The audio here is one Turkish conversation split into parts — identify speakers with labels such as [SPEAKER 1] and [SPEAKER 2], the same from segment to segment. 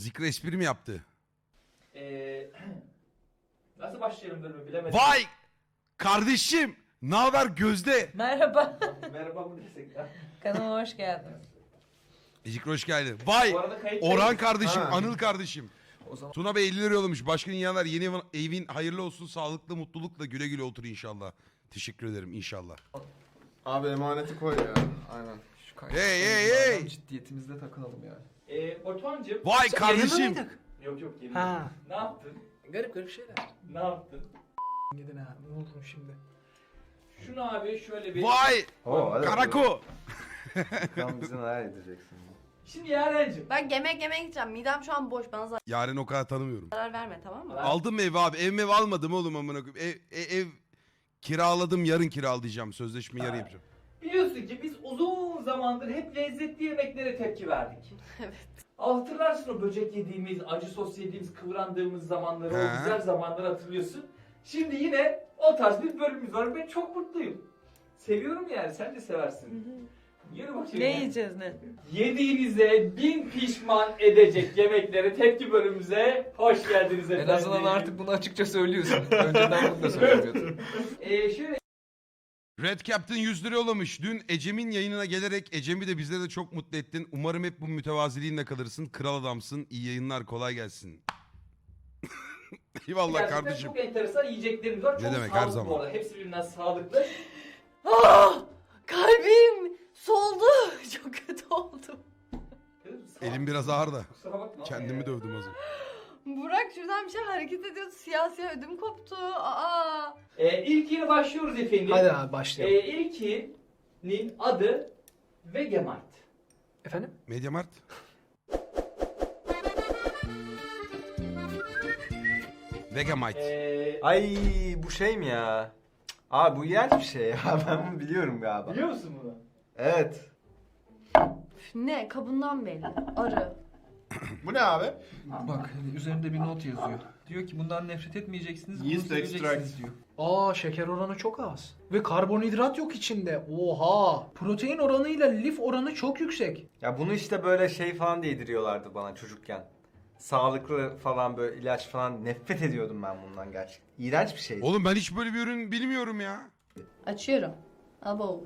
[SPEAKER 1] Zikra espri mi yaptı?
[SPEAKER 2] Nasıl başlayalım bölümü bilemedim.
[SPEAKER 1] Vay! Kardeşim! Ne haber Gözde?
[SPEAKER 3] Merhaba.
[SPEAKER 2] Merhaba mı desek ya?
[SPEAKER 3] Kanalıma hoş geldiniz.
[SPEAKER 1] Zikra hoş geldin. Vay!
[SPEAKER 2] Bu arada kayıt
[SPEAKER 1] Orhan kardeşim,
[SPEAKER 4] Ha.
[SPEAKER 1] Anıl kardeşim.
[SPEAKER 4] O zaman
[SPEAKER 1] Tuna Bey 50 lira yollamış. Başka dünyalar yeni evin hayırlı olsun. Sağlıklı, mutlulukla güle güle otur inşallah. Teşekkür ederim inşallah.
[SPEAKER 4] abi emaneti koy ya. Aynen.
[SPEAKER 5] Şu kayıt
[SPEAKER 1] Hey, hey,
[SPEAKER 5] konusunda
[SPEAKER 1] hey!
[SPEAKER 5] Ciddiyetimizde takılalım yani.
[SPEAKER 2] Batuhan'cığım.
[SPEAKER 1] Vay kardeşim!
[SPEAKER 2] Yok yemin
[SPEAKER 5] Ha.
[SPEAKER 2] ederim. Ne yaptın?
[SPEAKER 5] Garip şeyler.
[SPEAKER 2] Ne yaptın?
[SPEAKER 5] Gidin ha. Ne oldu şimdi?
[SPEAKER 2] Şunu abi şöyle bir...
[SPEAKER 1] Vay!
[SPEAKER 6] hadi
[SPEAKER 1] Karako!
[SPEAKER 6] Bakalım bizi neler edeceksin.
[SPEAKER 2] Şimdi Yaren'cim.
[SPEAKER 7] Ben yemek yemeye gideceğim. Midem şu an boş. Bana
[SPEAKER 1] Yarın o kadar tanımıyorum.
[SPEAKER 7] zarar verme, tamam mı?
[SPEAKER 2] Ben-
[SPEAKER 1] Aldım mı evi abi? Ev almadım oğlum amına koyayım. Ev kiraladım, yarın kiralayacağım. Sözleşmeyi yarın yapacağım.
[SPEAKER 2] Biliyorsun ki biz uzun zamandır hep lezzetli yemeklere tepki verdik.
[SPEAKER 7] Evet.
[SPEAKER 2] Hatırlarsın o böcek yediğimiz, acı sos yediğimiz, kıvrandığımız zamanları, o
[SPEAKER 1] He.
[SPEAKER 2] güzel zamanları hatırlıyorsun. Şimdi yine o tarz bir bölümümüz var. Ben çok mutluyum. Seviyorum yani, sen de seversin. Yürü bakayım.
[SPEAKER 3] Ne yiyeceğiz ne?
[SPEAKER 2] Yediğinize bin pişman edecek yemeklere tepki bölümümüze hoş geldiniz
[SPEAKER 5] En
[SPEAKER 2] efendim.
[SPEAKER 5] azından artık bunu açıkça söylüyorsun. Önceden bunu da söylemiyordun.
[SPEAKER 2] Şöyle
[SPEAKER 1] Red Captain 100 lira yollamış. Dün Ecem'in yayınına gelerek Ecem'i de bizleri de çok mutlu ettin. Umarım hep bu mütevaziliğinle kalırsın. Kral adamsın. İyi yayınlar, kolay gelsin. Eyvallah
[SPEAKER 2] gerçekten
[SPEAKER 1] kardeşim.
[SPEAKER 2] çok enteresan yiyeceklerimiz var.
[SPEAKER 1] Ne
[SPEAKER 2] Çok
[SPEAKER 1] demek, her
[SPEAKER 2] sağlıklı
[SPEAKER 1] zaman.
[SPEAKER 2] bu arada. Hepsi birbirinden sağlıklı.
[SPEAKER 7] Ah! Kalbim soldu. Çok kötü oldum.
[SPEAKER 1] Elim biraz ağır da.
[SPEAKER 2] Kusura bakma.
[SPEAKER 1] Kendimi dövdüm az önce.
[SPEAKER 7] Burak şuradan bir şey hareket ediyordu. Siyah siyah ödüm koptu. Aa!
[SPEAKER 2] İlkiyle başlıyoruz efendim.
[SPEAKER 5] Hadi abi başlayalım.
[SPEAKER 2] İlkinin adı Vegemite.
[SPEAKER 5] Efendim?
[SPEAKER 1] Mediamart. Vegamite.
[SPEAKER 6] Ay bu şey mi ya? Abi bu iğrenç bir şey ya. Ben bunu biliyorum galiba.
[SPEAKER 2] Biliyor musun bunu?
[SPEAKER 6] Evet.
[SPEAKER 7] Üf, ne? Kabından belli. Arı.
[SPEAKER 4] Bu ne abi?
[SPEAKER 5] Bak üzerinde bir not yazıyor. Diyor ki bundan nefret etmeyeceksiniz, bunu
[SPEAKER 4] Yeast
[SPEAKER 5] seveceksiniz
[SPEAKER 4] extract.
[SPEAKER 5] diyor.
[SPEAKER 8] Aa, şeker oranı çok az. Ve karbonhidrat yok içinde. Oha! Protein oranıyla lif oranı çok yüksek.
[SPEAKER 6] Ya bunu işte böyle şey falan diye yediriyorlardı bana çocukken. Sağlıklı falan böyle ilaç falan nefret ediyordum ben bundan gerçekten. İğrenç bir şey.
[SPEAKER 1] Oğlum ben hiç böyle bir ürün bilmiyorum ya.
[SPEAKER 7] Açıyorum. Abo.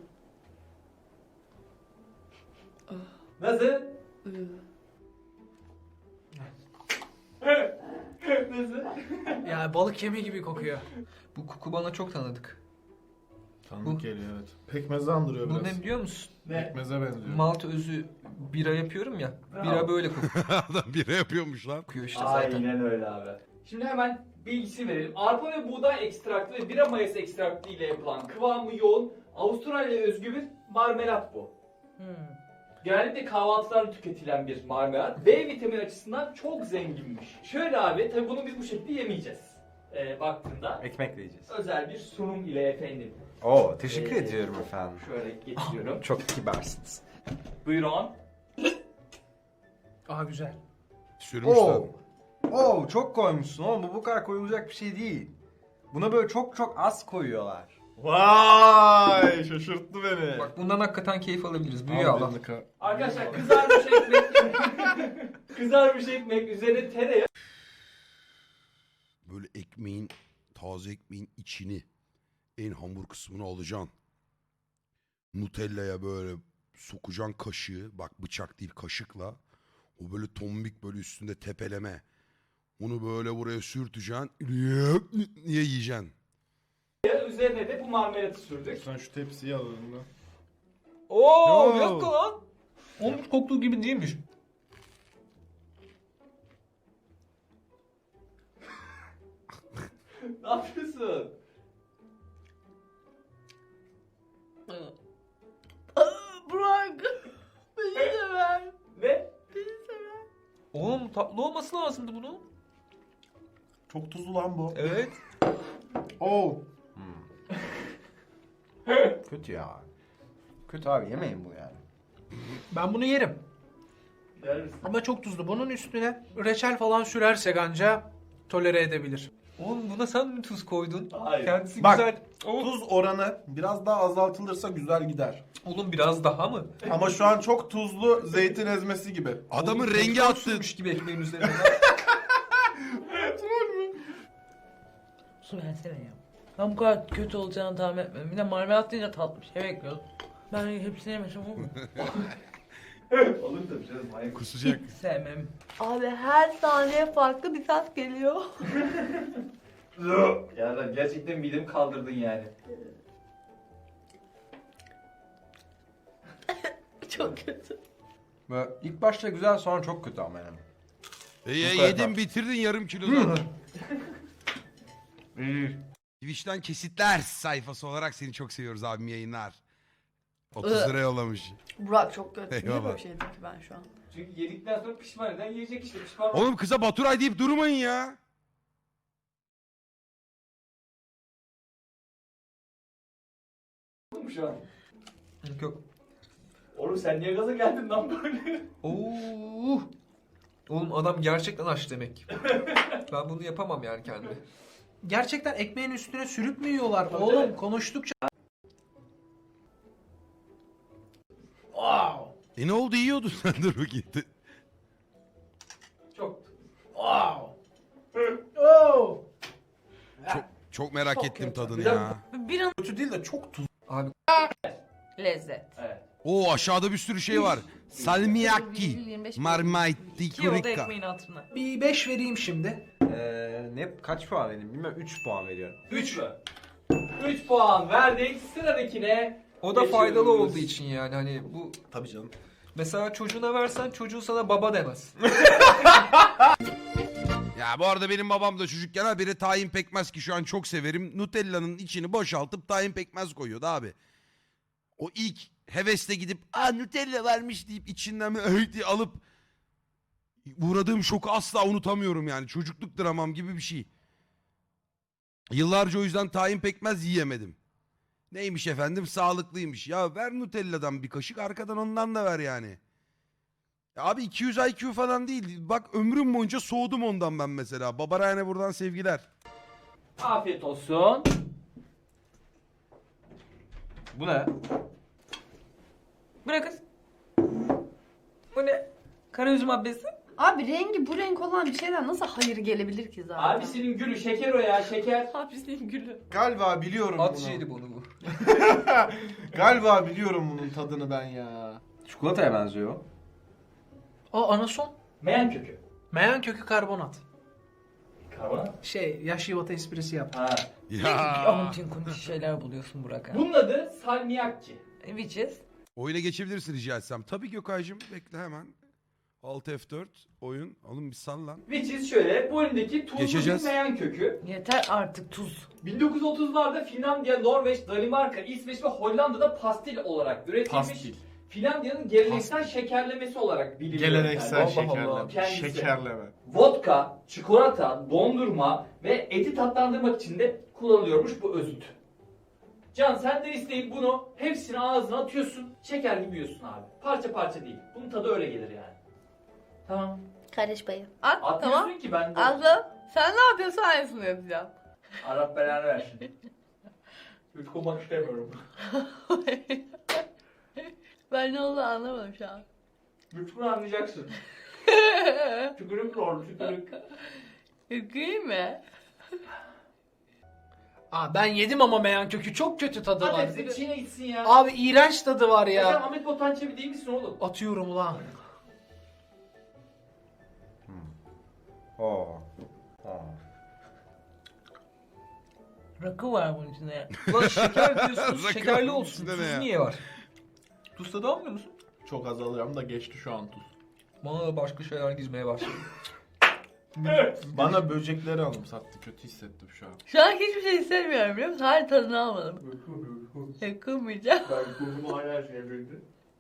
[SPEAKER 2] Nasıl?
[SPEAKER 7] Iı.
[SPEAKER 2] Nasıl?
[SPEAKER 8] Ya balık yemi gibi kokuyor.
[SPEAKER 5] Bu koku bana çok tanıdık.
[SPEAKER 4] Tanıdık geliyor evet. Pekmezi andırıyor
[SPEAKER 5] Bu
[SPEAKER 4] biraz.
[SPEAKER 5] ne biliyor musun?
[SPEAKER 2] Ne?
[SPEAKER 4] Pekmeze benziyor.
[SPEAKER 5] Malt özü bira yapıyorum ya.
[SPEAKER 2] Bravo.
[SPEAKER 5] Bira böyle kokuyor
[SPEAKER 1] Adam bira yapıyormuş lan.
[SPEAKER 5] işte zaten.
[SPEAKER 2] Aynen öyle abi. Şimdi hemen bilgisi verelim. Arpa ve buğday ekstraktı ve bira mayası ekstraktı ile yapılan kıvamı yoğun Avustralya özgü bir marmelat bu. Genellikle kahvaltılarda tüketilen bir marmelat. B vitamini açısından çok zenginmiş. Şöyle abi, tabi bunu biz bu şekilde yemeyeceğiz. Baktığında
[SPEAKER 6] Ekmekle yiyeceğiz.
[SPEAKER 2] özel bir sunum ile efendim.
[SPEAKER 6] Oo teşekkür ediyorum efendim.
[SPEAKER 2] Şöyle getiriyorum.
[SPEAKER 6] Çok kibarsınız.
[SPEAKER 2] Buyurun.
[SPEAKER 8] Aa, güzel.
[SPEAKER 1] Sürmüşler.
[SPEAKER 6] Oo çok koymuşsun oğlum, bu kadar koyulacak bir şey değil. Buna böyle çok çok az koyuyorlar.
[SPEAKER 4] Vay şaşırttı beni.
[SPEAKER 5] Bak bundan hakikaten keyif alabiliriz. Büyüyor Allah.
[SPEAKER 2] Arkadaşlar kızarmış ekmek. Kızarmış ekmek üzerine tereyağı.
[SPEAKER 1] Böyle ekmeğin, taze ekmeğin içini, en hamur kısmını alacaksın. Nutella'ya böyle sokacaksın kaşığı. Bak bıçak değil, kaşıkla. O böyle tombik böyle üstünde tepeleme. Onu böyle buraya sürteceksin. Niye yiyeceksin?
[SPEAKER 2] Üzerine de bu marmelatı sürdük.
[SPEAKER 4] Sen şu tepsiyi al önünden.
[SPEAKER 5] Oo,
[SPEAKER 1] Yo.
[SPEAKER 5] bir dakika lan. Onun koktuğu gibi değilmiş.
[SPEAKER 2] Ne yapıyorsun?
[SPEAKER 7] Burak. Beni de ver.
[SPEAKER 2] Ne?
[SPEAKER 5] Oğlum tatlı olması lazımdı bunun.
[SPEAKER 4] Çok tuzlu lan bu.
[SPEAKER 5] Evet.
[SPEAKER 4] Oo.
[SPEAKER 6] Kötü ya. Kötü abi, yemeyin bu yani.
[SPEAKER 8] Ben bunu yerim.
[SPEAKER 2] Der misin?
[SPEAKER 8] Ama çok tuzlu. Bunun üstüne reçel falan sürersek anca tolere edebilir.
[SPEAKER 5] Oğlum buna sen mi tuz koydun?
[SPEAKER 2] Hayır.
[SPEAKER 5] Kendisi
[SPEAKER 4] Bak,
[SPEAKER 5] güzel.
[SPEAKER 4] Tuz oranı biraz daha azaltılırsa güzel gider.
[SPEAKER 5] Oğlum biraz daha mı?
[SPEAKER 4] Ama şu an çok tuzlu zeytin ezmesi gibi.
[SPEAKER 1] Adamın
[SPEAKER 5] Oğlum,
[SPEAKER 1] rengi
[SPEAKER 5] petrol
[SPEAKER 1] attı.
[SPEAKER 5] sürmüş gibi ekmeğin üzerine.
[SPEAKER 3] Su versene ya. Ben bu kadar kötü olacağını tahmin etmedim. Bir de marmelat deyince tatlı bir şey bekliyordum. Ben hepsini yemesem olur mu?
[SPEAKER 2] Olur tabii canım. Hayır.
[SPEAKER 1] Kusacak.
[SPEAKER 3] Hiç sevmem.
[SPEAKER 7] Abi her saniye farklı bir tat geliyor.
[SPEAKER 2] Ya ben gerçekten midemi kaldırdın yani.
[SPEAKER 7] Çok kötü.
[SPEAKER 6] Böyle ilk başta güzel, sonra çok kötü ama yani.
[SPEAKER 1] Yedin bitirdin yarım kilo zaten. Twitch'ten kesitler sayfası olarak seni çok seviyoruz abim, yayınlar. 30 lira yollamış.
[SPEAKER 7] Burak çok kötü. Niye
[SPEAKER 1] Eyvallah.
[SPEAKER 7] böyle bir şey dedim ki ben şu an?
[SPEAKER 2] Çünkü yedikten sonra pişman eden yiyecek işte. Pişman
[SPEAKER 1] Oğlum kıza Baturay deyip durmayın ya.
[SPEAKER 2] mu şu an?
[SPEAKER 5] Yok yok.
[SPEAKER 2] Oğlum sen niye gaza geldin lan böyle?
[SPEAKER 5] Oo. Oğlum adam gerçekten aç demek. Ben bunu yapamam yani kendime.
[SPEAKER 8] Gerçekten ekmeğin üstüne sürüp mü yiyorlar?
[SPEAKER 2] Tabii,
[SPEAKER 8] Oğlum
[SPEAKER 2] tabii.
[SPEAKER 8] konuştukça... Wow.
[SPEAKER 1] Ne oldu, yiyordun sen, dur bakayım.
[SPEAKER 2] Çok.
[SPEAKER 8] Wow. Oh.
[SPEAKER 1] Çok merak
[SPEAKER 3] Çok
[SPEAKER 1] ettim
[SPEAKER 3] kötü.
[SPEAKER 1] tadını
[SPEAKER 2] Bir
[SPEAKER 1] ya.
[SPEAKER 3] Bir an
[SPEAKER 4] Kötü değil de çok tuzlu.
[SPEAKER 5] Abi
[SPEAKER 3] lezzet.
[SPEAKER 2] Evet.
[SPEAKER 1] Oo, aşağıda bir sürü şey var. Salmiakki,
[SPEAKER 7] 25
[SPEAKER 1] marmite,
[SPEAKER 3] Ki o da
[SPEAKER 1] kurika.
[SPEAKER 3] ekmeğin hatırına.
[SPEAKER 8] Bir 5 vereyim şimdi.
[SPEAKER 6] Kaç puan vereyim bilmiyorum. 3 puan veriyorum.
[SPEAKER 2] 3 mü? 3 puan verdik. Sıradakine
[SPEAKER 5] o da
[SPEAKER 2] geçiyoruz.
[SPEAKER 5] faydalı olduğu için yani hani bu
[SPEAKER 4] Tabii canım.
[SPEAKER 5] mesela çocuğuna versen çocuğu sana baba demez.
[SPEAKER 1] Ya bu arada benim babam da çocukken habire tahin pekmez, ki şu an çok severim. Nutella'nın içini boşaltıp tahin pekmez koyuyordu abi. O ilk hevesle gidip Nutella varmış deyip içinden böyle diye alıp uğradığım şoku asla unutamıyorum yani. Çocukluk dramam gibi bir şey. Yıllarca o yüzden tahin pekmez yiyemedim. Neymiş efendim, sağlıklıymış. Ya ver Nutella'dan bir kaşık, arkadan ondan da ver yani. Ya abi 200 IQ falan değil. Bak ömrüm boyunca soğudum ondan ben mesela. Baba Ryan'e buradan sevgiler.
[SPEAKER 2] Afiyet olsun.
[SPEAKER 6] Bu ne?
[SPEAKER 3] Bu ne kız? Bu ne? Kara üzüm abbesi.
[SPEAKER 7] Abi rengi bu renk olan bir şeyden nasıl hayır gelebilir ki zaten?
[SPEAKER 2] Abisinin gülü şeker o ya, şeker.
[SPEAKER 7] Abisinin gülü.
[SPEAKER 4] Galiba biliyorum
[SPEAKER 5] At
[SPEAKER 4] bunu.
[SPEAKER 5] şeydi bunu bu.
[SPEAKER 4] Galiba biliyorum bunun tadını ben ya.
[SPEAKER 6] Çikolataya benziyor.
[SPEAKER 8] O anason.
[SPEAKER 2] Meyan kökü.
[SPEAKER 8] Meyan kökü karbonat.
[SPEAKER 2] Karbonat.
[SPEAKER 8] Yaş yuvata esprisi yap.
[SPEAKER 2] Ha.
[SPEAKER 1] Ya.
[SPEAKER 3] Antin kunti şeyler buluyorsun Burak ha.
[SPEAKER 2] Bunun adı salmiakki.
[SPEAKER 3] Which is?
[SPEAKER 1] Oyuna geçebilirsin rica etsem. Tabii Gökay'cığım, bekle hemen. Alt F4 oyun. Oğlum bir sal lan.
[SPEAKER 2] Which is şöyle, bu elindeki tuzlu
[SPEAKER 1] Geçeceğiz.
[SPEAKER 2] bir meyan kökü.
[SPEAKER 3] Yeter artık tuz.
[SPEAKER 2] 1930'larda Finlandiya, Norveç, Danimarka, İsveç ve Hollanda'da pastil olarak üretilmiş.
[SPEAKER 4] Pastil.
[SPEAKER 2] Finlandiya'nın geleneksel şekerlemesi olarak biliniyor.
[SPEAKER 4] Geleneksel
[SPEAKER 2] Yani.
[SPEAKER 4] şekerleme.
[SPEAKER 2] Kendisi.
[SPEAKER 4] Şekerleme.
[SPEAKER 2] Vodka, çikolata, dondurma ve eti tatlandırmak için de kullanılıyormuş bu özüt. Can sen de isteyip bunu hepsini ağzına atıyorsun. Şeker gibi yiyorsun abi. Parça parça değil. Bunun tadı öyle gelir yani. Tamam.
[SPEAKER 7] Kardeş payı. At
[SPEAKER 2] Atmıyorsun
[SPEAKER 7] tamam.
[SPEAKER 2] ki ben de.
[SPEAKER 7] Atla. Sen ne yapıyorsun aynısını yapacağım.
[SPEAKER 2] Arap belanı versin. Yutkunmak istemiyorum.
[SPEAKER 7] Ben ne olduğunu anlamadım şu an.
[SPEAKER 2] Yutkunu anlayacaksın. Tükürük oldu tükürük.
[SPEAKER 7] Yüküyüm mü?
[SPEAKER 8] Ben yedim ama meyan kökü çok kötü tadı
[SPEAKER 2] Hadi
[SPEAKER 8] var.
[SPEAKER 2] hepsi Çin'e gitsin ya.
[SPEAKER 8] Abi iğrenç tadı var
[SPEAKER 2] Sen
[SPEAKER 8] ya.
[SPEAKER 2] Ahmet Botan Çebi değil misin oğlum?
[SPEAKER 8] Atıyorum ulan.
[SPEAKER 6] Oo.
[SPEAKER 3] Rakı var bunun içinde.
[SPEAKER 5] Ulan şeker diyorsunuz
[SPEAKER 1] Rakı
[SPEAKER 5] şekerli
[SPEAKER 1] onun
[SPEAKER 5] olsun.
[SPEAKER 1] içinde ne
[SPEAKER 5] Tuz
[SPEAKER 1] ya?
[SPEAKER 5] niye var? Tuz tadı almıyor musun?
[SPEAKER 4] Çok az alıyorum da geçti şu an tuz.
[SPEAKER 5] Bana da başka şeyler gizmeye başladı.
[SPEAKER 4] Bana böcekleri anımsattı. Kötü hissettim şu an.
[SPEAKER 7] Şu an hiçbir şey istemiyorum biliyor musun? Hayır tadını almadım. Yakınmayacağım.
[SPEAKER 2] Ben kurduğumu hala çevirdi.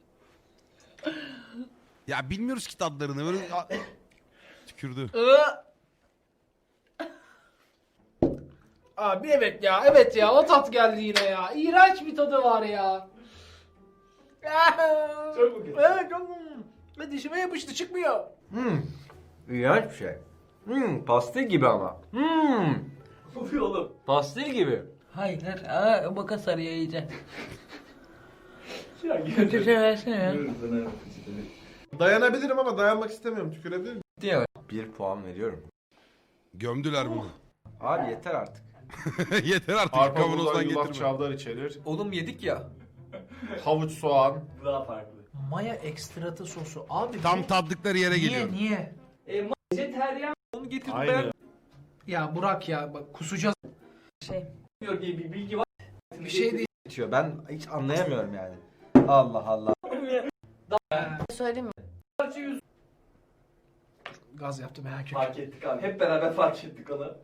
[SPEAKER 1] Ya bilmiyoruz ki tadlarını. Böyle tükürdü.
[SPEAKER 8] Abi evet ya o tat geldi yine ya. İğrenç bir tadı var ya.
[SPEAKER 2] Çok mu kötü?
[SPEAKER 8] Evet çok. Ve dişime yapıştı çıkmıyor.
[SPEAKER 6] İğrenç bir şey. Pastil gibi ama.
[SPEAKER 2] Oluyor oğlum.
[SPEAKER 5] Pastil gibi.
[SPEAKER 3] Hayır. Makas araya iyice.
[SPEAKER 2] Ya
[SPEAKER 3] Kötü şey versene ya.
[SPEAKER 4] Dayanabilirim ama dayanmak istemiyorum. Tükürebilirim.
[SPEAKER 5] Diye.
[SPEAKER 6] 1 puan veriyorum.
[SPEAKER 1] Gömdüler bunu.
[SPEAKER 6] Abi yeter artık.
[SPEAKER 1] Yeter artık
[SPEAKER 4] Arpa, buğday,
[SPEAKER 1] kavanozdan
[SPEAKER 4] yulaf,
[SPEAKER 1] getirme.
[SPEAKER 4] çavdar içerir.
[SPEAKER 5] Oğlum yedik ya.
[SPEAKER 4] Havuç, soğan.
[SPEAKER 2] Bu daha farklı.
[SPEAKER 8] Maya ekstratı sosu. Abi
[SPEAKER 1] Tam
[SPEAKER 8] bu-
[SPEAKER 1] tattıkları yere geliyor.
[SPEAKER 8] Niye?
[SPEAKER 2] Vejeteryan
[SPEAKER 5] Onu getirdim
[SPEAKER 4] Aynen.
[SPEAKER 5] ben.
[SPEAKER 8] Ya Burak ya bak kusacağız.
[SPEAKER 2] diyor diye bir bilgi var.
[SPEAKER 8] Bir şey değil.
[SPEAKER 6] Bitiyor. Ben hiç anlayamıyorum yani. Allah Allah.
[SPEAKER 7] Söyleyeyim mi?
[SPEAKER 2] Parça yüz
[SPEAKER 8] Gaz yaptım merak etme.
[SPEAKER 2] fark ettik abi. Hep beraber fark ettik onu.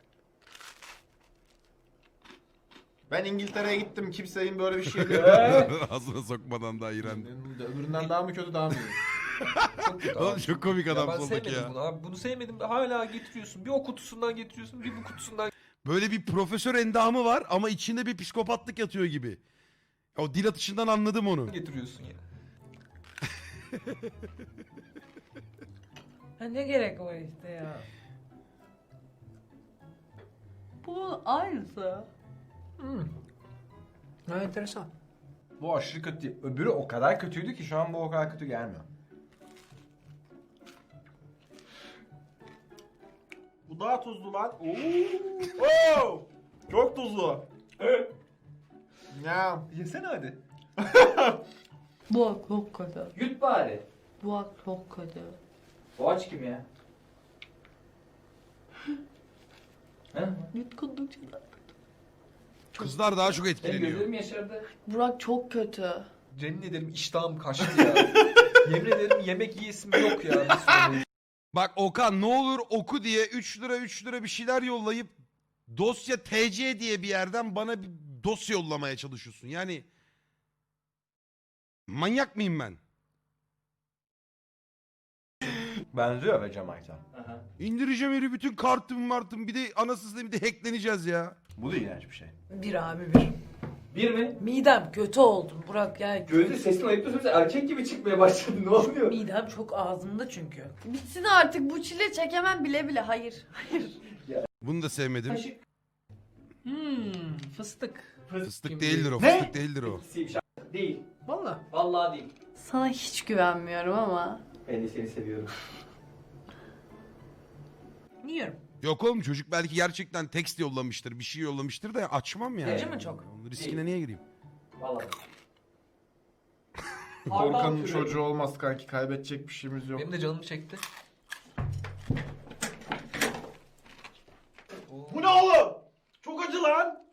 [SPEAKER 4] Ben İngiltere'ye gittim. Kimsenin böyle bir şey değil.
[SPEAKER 1] Ağzına sokmadan da iğrendim.
[SPEAKER 4] Öbüründen daha mı kötü daha mı iyi?
[SPEAKER 5] Çok kötü
[SPEAKER 1] Oğlum
[SPEAKER 5] abi.
[SPEAKER 1] çok komik
[SPEAKER 5] Ya
[SPEAKER 1] adam
[SPEAKER 5] ben
[SPEAKER 1] soldaki
[SPEAKER 5] sevmedim
[SPEAKER 1] ya.
[SPEAKER 5] bunu abi. Bunu sevmedim de hala getiriyorsun. Bir o kutusundan getiriyorsun, bir bu kutusundan
[SPEAKER 1] Böyle bir profesör endamı var ama içinde bir psikopatlık yatıyor gibi. O dil atışından anladım onu.
[SPEAKER 5] getiriyorsun ya.
[SPEAKER 3] Ha, ne gerek var işte ya. Bu aynısı.
[SPEAKER 8] Ha, enteresan.
[SPEAKER 6] Bu aşırı kötü değil. Öbürü o kadar kötüydü ki şu an bu o kadar kötü gelmiyor.
[SPEAKER 4] Bu daha tuzlu lan. Oo! Çok tuzlu. Ya.
[SPEAKER 5] Yesene hadi.
[SPEAKER 3] Bu çok kötü.
[SPEAKER 2] Yut bari.
[SPEAKER 3] Bu çok kötü.
[SPEAKER 2] Boğaç kim ya? He?
[SPEAKER 3] Yutkundukça da.
[SPEAKER 1] Kızlar daha çok
[SPEAKER 2] Benim
[SPEAKER 1] etkileniyor.
[SPEAKER 2] gözlerim yaşardı.
[SPEAKER 7] Burak çok kötü.
[SPEAKER 5] Yemin ederim iştahım kaçtı ya. Yemin ederim yemek yiyesim yok ya. Bir sürü.
[SPEAKER 1] Bak Okan ne olur oku diye 3 lira 3 lira bir şeyler yollayıp dosya TC diye bir yerden bana bir dosya yollamaya çalışıyorsun. Yani manyak mıyım ben?
[SPEAKER 6] Benziyor be Cemal'den.
[SPEAKER 2] Aha.
[SPEAKER 1] İndireceğim herif bütün kartım martım bir de anasını bir de hackleneceğiz ya.
[SPEAKER 6] Bu da iğrenç bir şey.
[SPEAKER 3] Bir abi bir.
[SPEAKER 2] Bir mi?
[SPEAKER 3] Midem kötü oldum Burak ya.
[SPEAKER 2] Gözü sesini ayıplıyorsun. Erkek gibi çıkmaya başladı. Ne oluyor?
[SPEAKER 3] Midem çok ağzımda çünkü.
[SPEAKER 7] Bitsin artık bu çile çekemem bile bile. Hayır. Hayır.
[SPEAKER 1] Bunu da sevmedim.
[SPEAKER 2] Kaşık.
[SPEAKER 8] Fıstık.
[SPEAKER 1] Fıstık
[SPEAKER 8] Kim
[SPEAKER 1] değildir o
[SPEAKER 8] Ne?
[SPEAKER 1] fıstık değildir o.
[SPEAKER 2] Siymiş. Değil.
[SPEAKER 8] Valla.
[SPEAKER 2] Vallahi değil.
[SPEAKER 7] Sana hiç güvenmiyorum ama.
[SPEAKER 2] Ben de seni seviyorum.
[SPEAKER 8] Yiyorum.
[SPEAKER 1] Yok oğlum çocuk belki gerçekten tekst yollamıştır bir şey yollamıştır da açmam yani.
[SPEAKER 3] Acı mı çok?
[SPEAKER 1] Onun riskine niye gireyim?
[SPEAKER 2] Vallahi.
[SPEAKER 4] Korkanın çocuğu olmaz kanki. Kaybedecek bir şeyimiz yok.
[SPEAKER 5] Benim de canım çekti.
[SPEAKER 4] Bu ne oğlum? Çok acı lan.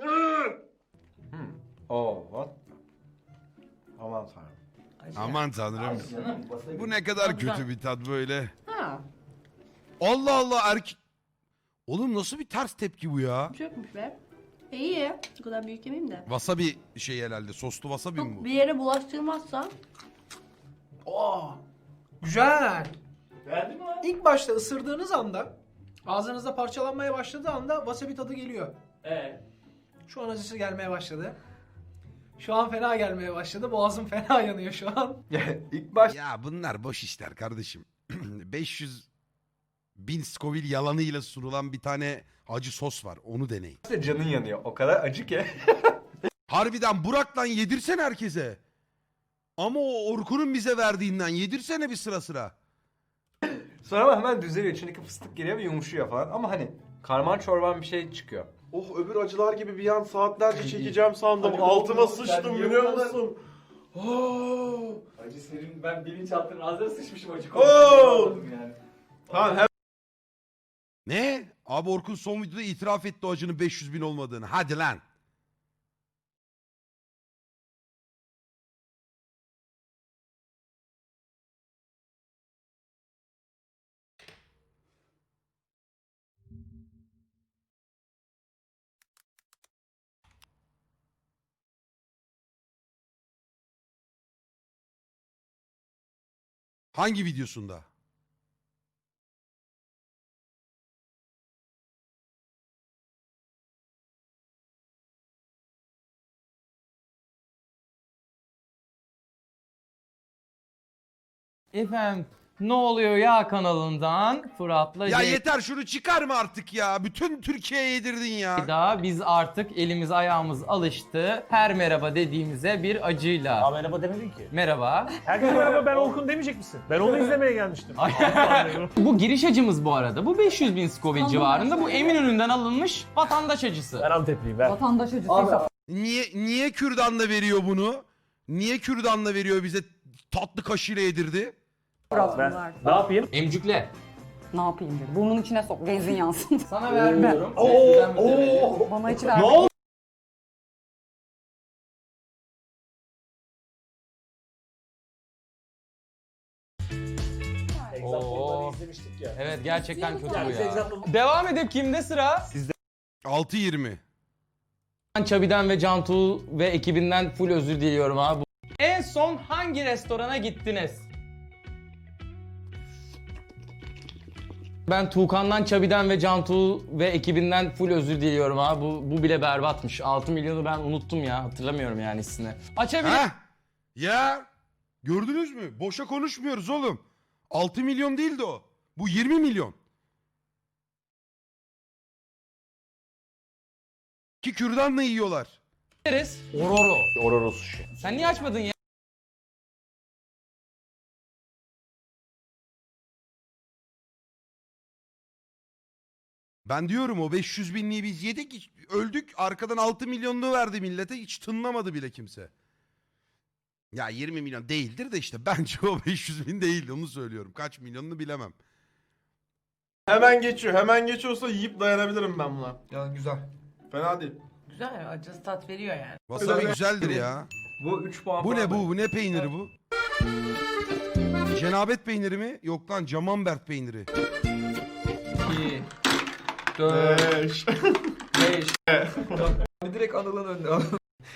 [SPEAKER 6] Oh what? Aman tanrım.
[SPEAKER 3] Acı.
[SPEAKER 1] Aman tanrım.
[SPEAKER 2] Canım, wasabi.
[SPEAKER 1] Bu ne kadar
[SPEAKER 3] Güzel.
[SPEAKER 1] kötü bir tat böyle.
[SPEAKER 7] Ha.
[SPEAKER 1] Allah Allah erkek. Oğlum nasıl bir ters tepki bu ya?
[SPEAKER 7] Çökmüş be. İyi. O kadar büyük yemeyeyim de.
[SPEAKER 1] Wasabi şey herhalde. Soslu wasabi mi bu?
[SPEAKER 7] Çok bir yere bulaştırmazsan.
[SPEAKER 8] Oo. Güzel.
[SPEAKER 2] Beğendin mi lan?
[SPEAKER 8] İlk başta ısırdığınız anda ağzınızda parçalanmaya başladığı anda wasabi tadı geliyor. Şu an acısı gelmeye başladı. Şu an fena gelmeye başladı. Boğazım fena yanıyor şu an.
[SPEAKER 6] İlk başta
[SPEAKER 1] Ya bunlar boş işler kardeşim. 500.000 Scoville yalanıyla sunulan bir tane acı sos var. Onu deneyin.
[SPEAKER 6] canın yanıyor. O kadar acı ki.
[SPEAKER 1] Harbiden Burak'tan yedirsen herkese. Ama o Orkun'un bize verdiğinden yedirsene bir sıra sıra.
[SPEAKER 6] Sonra ama hemen düzeliyor. İçindeki fıstık geliyor ve yumuşuyor falan. Ama hani karman çorban bir şey çıkıyor.
[SPEAKER 4] Oh öbür acılar gibi bir an saatlerce çekeceğim sandım.
[SPEAKER 2] Hadi
[SPEAKER 4] Altıma
[SPEAKER 2] oğlum,
[SPEAKER 4] sıçtım
[SPEAKER 2] sen
[SPEAKER 4] biliyor
[SPEAKER 2] yiyorlar.
[SPEAKER 4] musun? Oh.
[SPEAKER 2] Acı senin ben bilinçaltının ağzına sıçmışım acı
[SPEAKER 4] Oo!
[SPEAKER 2] konuşuyorum yani.
[SPEAKER 4] Tamam hem
[SPEAKER 1] Ne? Abi Orkun son videoda itiraf etti o acının 500.000 olmadığını. Hadi lan. Hangi videosunda?
[SPEAKER 9] Efendim Ne oluyor ya kanalından Fırat'la
[SPEAKER 1] Ya yeter şunu çıkarma artık ya. Bütün Türkiye'ye yedirdin ya.
[SPEAKER 9] Ceyda. Biz artık elimiz ayağımız alıştı. Her merhaba dediğimize bir acıyla.
[SPEAKER 4] merhaba demedin ki.
[SPEAKER 9] Merhaba.
[SPEAKER 4] Herkese merhaba, ben Orkun demeyecek misin? Ben onu izlemeye gelmiştim.
[SPEAKER 9] Bu giriş acımız bu arada. Bu 500.000 Scoville civarında. Bu Eminönü'nden alınmış vatandaş acısı.
[SPEAKER 4] Ben Antepliyim, ver.
[SPEAKER 7] Vatandaş acısı.
[SPEAKER 1] Niye kürdanla veriyor bunu? Niye kürdanla veriyor bize tatlı kaşığıyla yedirdi?
[SPEAKER 4] Ne yapayım?
[SPEAKER 9] Emcükle.
[SPEAKER 7] Ne yapayım dedi. Burnun içine sok. Benzin yansın.
[SPEAKER 9] Sana vermiyorum.
[SPEAKER 7] Bana hiç verme.
[SPEAKER 9] Oo.
[SPEAKER 4] izlemiştik ya.
[SPEAKER 9] Evet gerçekten kötü bu ya. Devam edip kimde sıra?
[SPEAKER 1] 6.20.
[SPEAKER 9] Ben Çabi'den ve Cantu ve ekibinden full özür diliyorum abi. En son hangi restorana gittiniz? Ben Tuğkan'dan, Çabi'den ve Cantu ve ekibinden full özür diliyorum abi. Bu bile berbatmış. 6 milyonu ben unuttum ya. Hatırlamıyorum yani hissini. Açabilir.
[SPEAKER 1] Heh. Ya gördünüz mü? Boşa konuşmuyoruz oğlum. 6 milyon değildi o. Bu 20 milyon. Ki kürdanla yiyorlar.
[SPEAKER 9] Deriz. Ororo.
[SPEAKER 4] Ororo sushi.
[SPEAKER 9] Sen niye açmadın ya?
[SPEAKER 1] Ben diyorum o 500 binliği biz yedik, öldük. Arkadan 6 milyonluğu verdi millete. Hiç tınlamadı bile kimse. Ya 20 milyon değildir de işte bence o 500 bin değildi, onu söylüyorum. Kaç milyonunu bilemem.
[SPEAKER 10] Hemen geçiyor. Hemen geçiyorsa yiyip dayanabilirim ben buna.
[SPEAKER 5] Yani güzel.
[SPEAKER 10] Fena değil.
[SPEAKER 3] Güzel ya, acısı tat veriyor yani.
[SPEAKER 1] Wasabi güzeldir ya.
[SPEAKER 6] Bu 3 puan
[SPEAKER 1] Bu
[SPEAKER 6] falan
[SPEAKER 1] ne bu? Bu ne peyniri bu? Cenabet peyniri mi? Yok lan Camembert peyniri.
[SPEAKER 5] 2, 4,
[SPEAKER 10] 5.
[SPEAKER 5] 5. Direkt Anıl'ın önüne.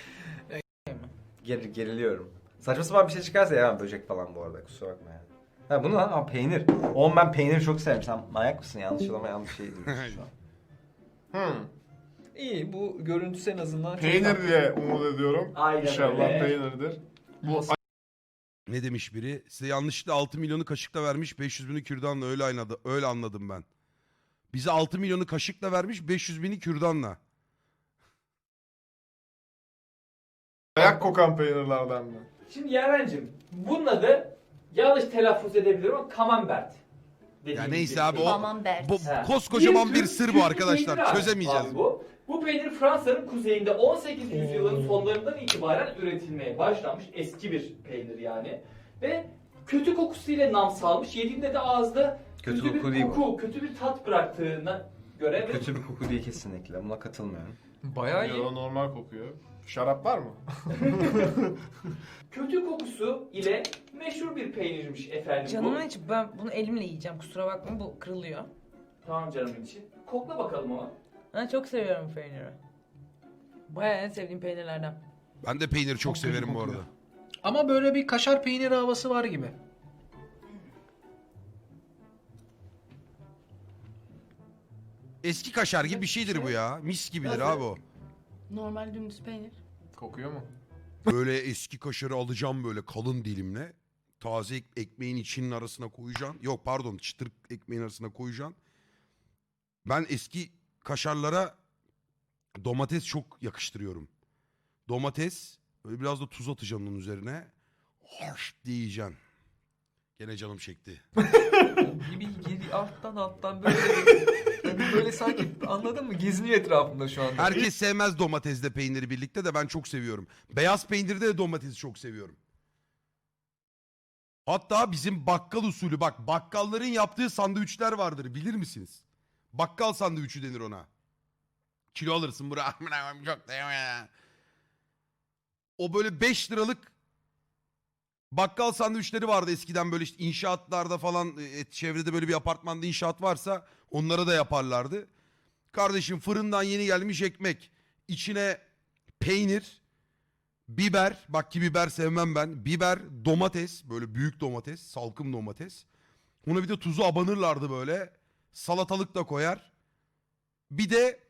[SPEAKER 6] Geriliyorum. Saçma sapan bir şey çıkarsa ya böcek falan bu arada, kusura bakma yani. Ha bunu lan, peynir. Oğlum ben peyniri çok severim. Sen manyak mısın? Yanlış olamayan bir şey diyorsun şu an.
[SPEAKER 5] İyi, bu görüntüsü en azından çok
[SPEAKER 10] Peynir
[SPEAKER 5] tatlı.
[SPEAKER 10] diye umut ediyorum.
[SPEAKER 2] Aynen
[SPEAKER 10] İnşallah
[SPEAKER 2] öyle.
[SPEAKER 10] peynirdir. Bu
[SPEAKER 1] Ne demiş biri? Size yanlışlıkla 6 milyonu kaşıkla vermiş, 500 bini kürdanla, öyle anladım ben. Bize 6 milyonu kaşıkla vermiş, 500 bini kürdanla.
[SPEAKER 10] ayak kokan peynirlerden mi?
[SPEAKER 2] Şimdi Yaren'cim bunun adı yanlış telaffuz edebilirim ama Camembert.
[SPEAKER 1] Ya neyse abi o
[SPEAKER 7] Camembert.
[SPEAKER 1] bu koskocaman bir
[SPEAKER 2] tür
[SPEAKER 1] sır bu
[SPEAKER 2] Türk
[SPEAKER 1] arkadaşlar.
[SPEAKER 2] peyniri abi.
[SPEAKER 1] Çözemeyeceğiz.
[SPEAKER 2] Abi bu peynir Fransa'nın kuzeyinde 18. yüzyılın sonlarından itibaren üretilmeye başlanmış eski bir peynir yani. Ve kötü kokusuyla nam salmış. Yediğinde de ağızda
[SPEAKER 6] Kötü
[SPEAKER 2] kötü
[SPEAKER 6] koku
[SPEAKER 2] bir
[SPEAKER 6] değil bu.
[SPEAKER 2] koku, kötü bir tat bıraktığına göre ve
[SPEAKER 6] Kötü bir koku değil kesinlikle. Buna katılmıyorum.
[SPEAKER 5] Bayağı iyi.
[SPEAKER 10] Yo, normal kokuyor. Şarap var mı?
[SPEAKER 2] kötü kokusu ile meşhur bir peynirmiş efendim
[SPEAKER 3] Canımın
[SPEAKER 2] bu.
[SPEAKER 3] içi, ben bunu elimle yiyeceğim, kusura bakma, bu kırılıyor.
[SPEAKER 2] Tamam canımın içi. Kokla bakalım ama.
[SPEAKER 3] Ben çok seviyorum bu peyniri. Bayağı en sevdiğim peynirlerden.
[SPEAKER 1] Ben de peyniri çok
[SPEAKER 10] kötü
[SPEAKER 1] severim bu
[SPEAKER 10] kokuyor.
[SPEAKER 1] arada.
[SPEAKER 8] Ama böyle bir kaşar peyniri havası var gibi.
[SPEAKER 1] Eski kaşar gibi bir şeydir bu ya. Mis gibidir abi o.
[SPEAKER 7] Normal dümdüz peynir.
[SPEAKER 10] Kokuyor mu?
[SPEAKER 1] Böyle eski kaşarı alacağım böyle kalın dilimle. Taze ekmeğin içinin arasına koyacaksın. Yok pardon, çıtır ekmeğin arasına koyacaksın. Ben eski kaşarlara domates çok yakıştırıyorum. Domates, böyle biraz da tuz atacaksın onun üzerine. Harş diye yiyeceksin. Gene canım çekti.
[SPEAKER 5] Gibi geri alttan böyle yani böyle sanki, anladın mı? Geziniyor etrafında şu anda.
[SPEAKER 1] Herkes sevmez domatesle peyniri birlikte de ben çok seviyorum. Beyaz peynirde de domatesi çok seviyorum. Hatta bizim bakkal usulü, bak bakkalların yaptığı sandviçler vardır, bilir misiniz? Bakkal sandviçi denir ona. Kilo alırsın buraya. Çok da ya. O böyle 5 liralık bakkal sandviçleri vardı eskiden, böyle işte inşaatlarda falan, çevrede böyle bir apartmanda inşaat varsa onlara da yaparlardı. Kardeşim fırından yeni gelmiş ekmek, içine peynir, biber, bak ki biber sevmem ben, biber, domates, böyle büyük domates, salkım domates. Ona bir de tuzu abanırlardı böyle, salatalık da koyar. Bir de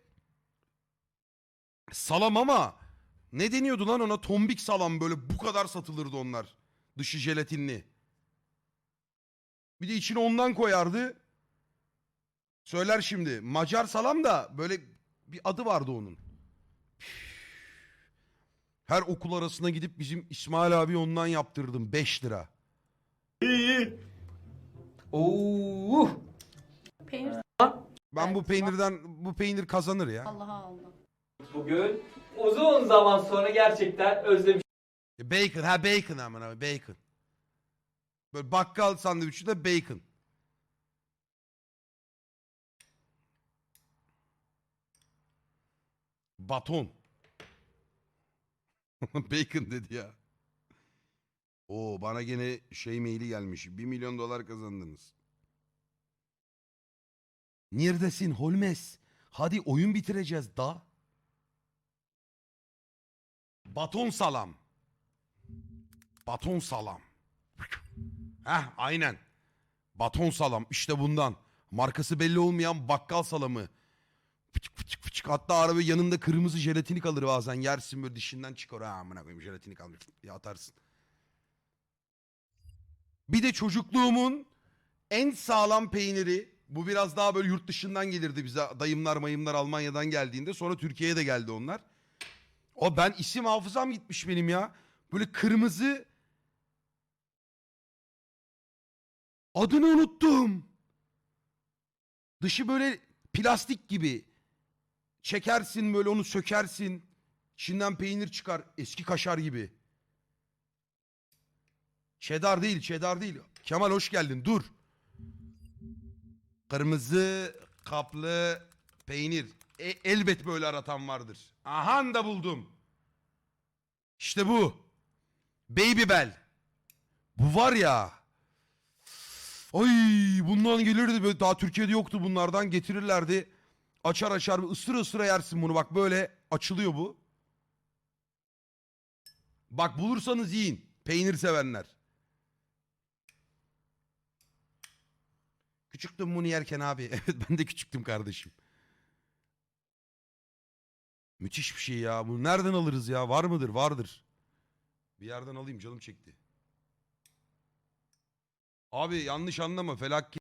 [SPEAKER 1] salam, ama ne deniyordu lan ona, tombik salam, böyle bu kadar satılırdı onlar. Dışı jelatinli. Bir de içine ondan koyardı. Söyler şimdi. Macar salam da böyle bir adı vardı onun. Her okul arasına gidip bizim İsmail abi ondan yaptırdım. 5 lira.
[SPEAKER 5] Oo.
[SPEAKER 7] Peynir
[SPEAKER 1] Ben bu peynir kazanır ya.
[SPEAKER 7] Allah'a Allah.
[SPEAKER 2] Bugün uzun zaman sonra gerçekten özlemiş
[SPEAKER 1] Bacon, bacon aman abi, bacon. Böyle bakkal sandviçi de bacon. Baton. Bacon dedi ya. Oo, bana gene şey maili gelmiş. 1 milyon dolar kazandınız. Neredesin Holmes? Hadi oyun bitireceğiz da. Baton salam. Baton salam. Heh, aynen. Baton salam işte bundan. Markası belli olmayan bakkal salamı. Fıçık fıçık fıçık. Hatta araba yanında kırmızı jelatini kalır bazen. Yersin böyle dişinden çıkar. Ha amına koyayım, jelatini kalmış diye atarsın. Bir de çocukluğumun en sağlam peyniri. Bu biraz daha böyle yurt dışından gelirdi bize. Dayımlar mayımlar Almanya'dan geldiğinde. Sonra Türkiye'ye de geldi onlar. O ben isim hafızam gitmiş benim ya. Böyle kırmızı. Adını unuttum. Dışı böyle plastik gibi. Çekersin böyle, onu sökersin. İçinden peynir çıkar. Eski kaşar gibi. Cheddar değil, cheddar değil. Kemal hoş geldin, dur. Kırmızı kaplı peynir. Elbet böyle aratan vardır. Aha da buldum. İşte bu. Baby Bell. Bu var ya. Ay, bundan gelirdi böyle, daha Türkiye'de yoktu, bunlardan getirirlerdi. Açar açar ısıra ısıra yersin bunu, bak böyle açılıyor bu. Bak bulursanız yiyin. Peynir sevenler. Küçüktüm bunu yerken abi. Evet, ben de küçüktüm kardeşim. Müthiş bir şey ya. Bunu nereden alırız ya? Var mıdır? Vardır. Bir yerden alayım, canım çekti. Abi yanlış anlama. Felaket